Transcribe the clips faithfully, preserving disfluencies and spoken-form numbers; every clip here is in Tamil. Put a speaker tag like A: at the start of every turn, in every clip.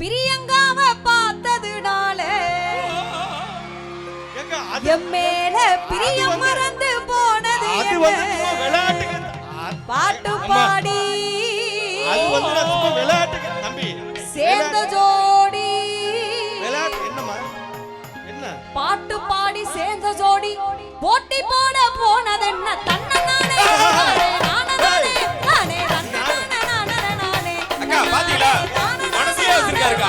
A: பிரியங்காவ பார்த்ததுனால என் மேல பிரியம் மறந்து போனது பாட்டு பாடி சேர்ந்த ஜோடி பாட்டு பாடி சேர்ந்த ஜோடி போட்டி போட போனதென்ன தன்ன நானே நானே நானே நானே நானே நானே
B: அக்கா பாத்தீங்களா மனசிலே வச்சிருக்காருக்கா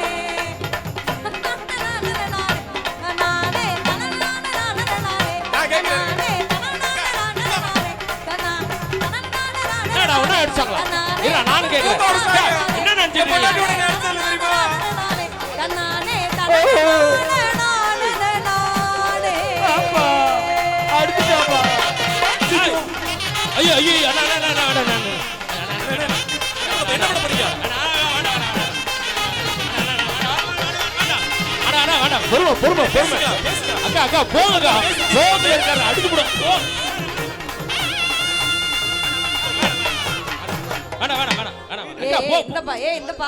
B: நான் கேக்குறேன் என்ன நினைச்சீங்க ஐயோ ஐயோ என்ன பண்ண போறீங்க பொறுமை பொறுமை பொறுமை அக்கா அக்கா போங்கக்கா போங்க இருக்காரு அடிச்சு போட வேணா வேணா வேணா வேணா
A: ஏய் இந்தப்பா ஏய் இந்தப்பா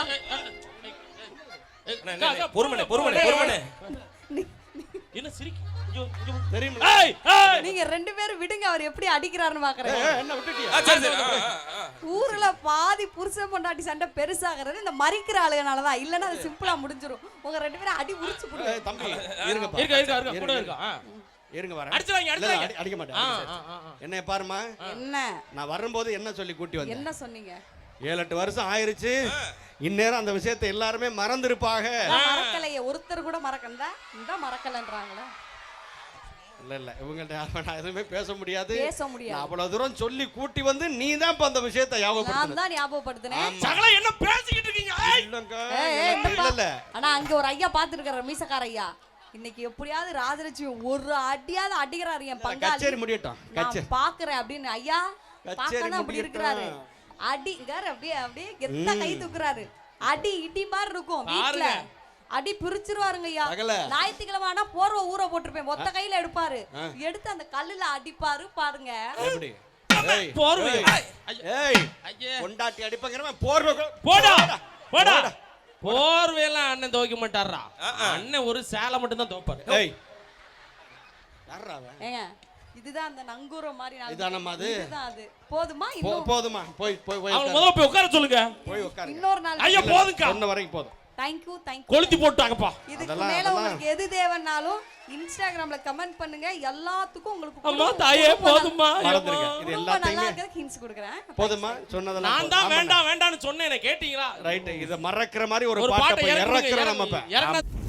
B: பொறுமனே பொறுமனே பொறுமனே என்ன சிரிக்கு தெரியுமா
A: நீங்க ரெண்டு பேரும் விடுங்க அவர் எப்படி அடிக்கிறாருன்னு பாக்குறேன்
B: என்ன விட்டுட்டியா சரி சரி
A: ஊர்ல பாதி புருஷன் பொண்டாட்டி சண்டை பெருசாகிறது இந்த மரிக்கிற ஆளுகனால தான் இல்லனா அது சிம்பிளா முடிஞ்சிரும் உங்க ரெண்டு பேரும் அடி உரிச்சு போடுங்க
B: தம்பி இருங்கப்பா இருங்க இருங்க இருங்க கூட இருங்க இருங்க வரேன் அடிச்சுவாங்க அடிச்சுவாங்க அடிக்க மாட்டேன் என்னைய பாருமா
A: என்ன நான்
B: வரும்போது என்ன சொல்லி கூட்டி வந்தேன்
A: என்ன சொன்னீங்க
B: ஏழு எட்டு வருஷம் ஆயிருச்சு இந்நேரம் அந்த விஷயத்தை எல்லாருமே மறந்துருப்பாங்க
A: மறக்கலையே ஒருத்தர் கூட மறக்கண்டா இந்த மறக்கலன்றாங்களே
B: இல்ல இல்ல இவங்கள்ட்ட நான் எதுவுமே பேச முடியாது
A: பேச முடியாது
B: அவ்வளவு தூரம் சொல்லி கூட்டி வந்து நீ தான் இப்ப அந்த விஷயத்தை ஞாபகப்படுத்த
A: நான் தான் ஞாபகப்படுத்துனேன்
B: சகல என்ன பேசிக்கிட்டு இருக்கீங்க இல்ல இல்ல
A: ஆனா அங்க ஒரு ஐயா பாத்துருக்காரு மீசக்கார ஐயா இன்னைக்கு எப்படியாவது ராஜலட்சுமி ஒரு அடியாவது அடிக்கிறாரு என் பங்காளி
B: கச்சேரி முடியட்டும்
A: கச்சேரி பாக்குறேன் அப்படின்னு ஐயா பாக்கதான் அப்படி இருக்கிறாரு அடிங்கற அப்படியே அப்படியே கெத்த கை தூக்குறாரு அடி இடி மாதிரி இருக்கும் வீட்ல அடி பிரிச்சிருவாருங்க ஐயா ஞாயிற்றுக்கிழமை ஆனா போர்வை ஊற போட்டிருப்பேன் மொத்த கையில எடுப்பாரு எடுத்து அந்த கல்லுல அடிப்பாரு பாருங்க
B: போர்வை கொண்டாட்டி அடிப்பங்கிறவன் போர்வை
C: போடா போடா போர்வையெல்லாம் அண்ணன் துவைக்க மாட்டாரா அண்ணன் ஒரு சேலை மட்டும் தான் துவைப்பாரு
A: ஏங்க இதுதான் அந்த நங்கூரம் மாதிரி
B: இதானம்மா அது
A: இதுதான் அது போதுமா இன்னும்
B: போதுமா போய் போய் போய்
C: அவங்க முதல்ல போய் உட்கார சொல்லுங்க
B: போய் உட்காருங்க
A: இன்னொரு நாள்
C: ஐயா போதுங்க
B: சொன்ன வரைக்கும் போதும்
A: थैंक यू थैंक यू
C: கொளுத்தி போட்டாங்கப்பா
A: இதுக்கு மேல உங்களுக்கு எது தேவனாலும் இன்ஸ்டாகிராம்ல கமெண்ட் பண்ணுங்க எல்லாத்துக்கும் உங்களுக்கு
C: அம்மா தாயே போதுமா
B: மறந்துருங்க இது எல்லாத்தையுமே
A: ஹிண்ட்ஸ் கொடுக்கிறேன்
B: போதுமா சொன்னதெல்லாம்
C: நான் தான் வேண்டாம் வேண்டாம்னு சொன்னேனே கேட்டிங்களா
B: ரைட் இத மறக்கிற மாதிரி ஒரு பாட்டை போய் இறக்குறோம் நம்ம இப்ப
C: இறக்குன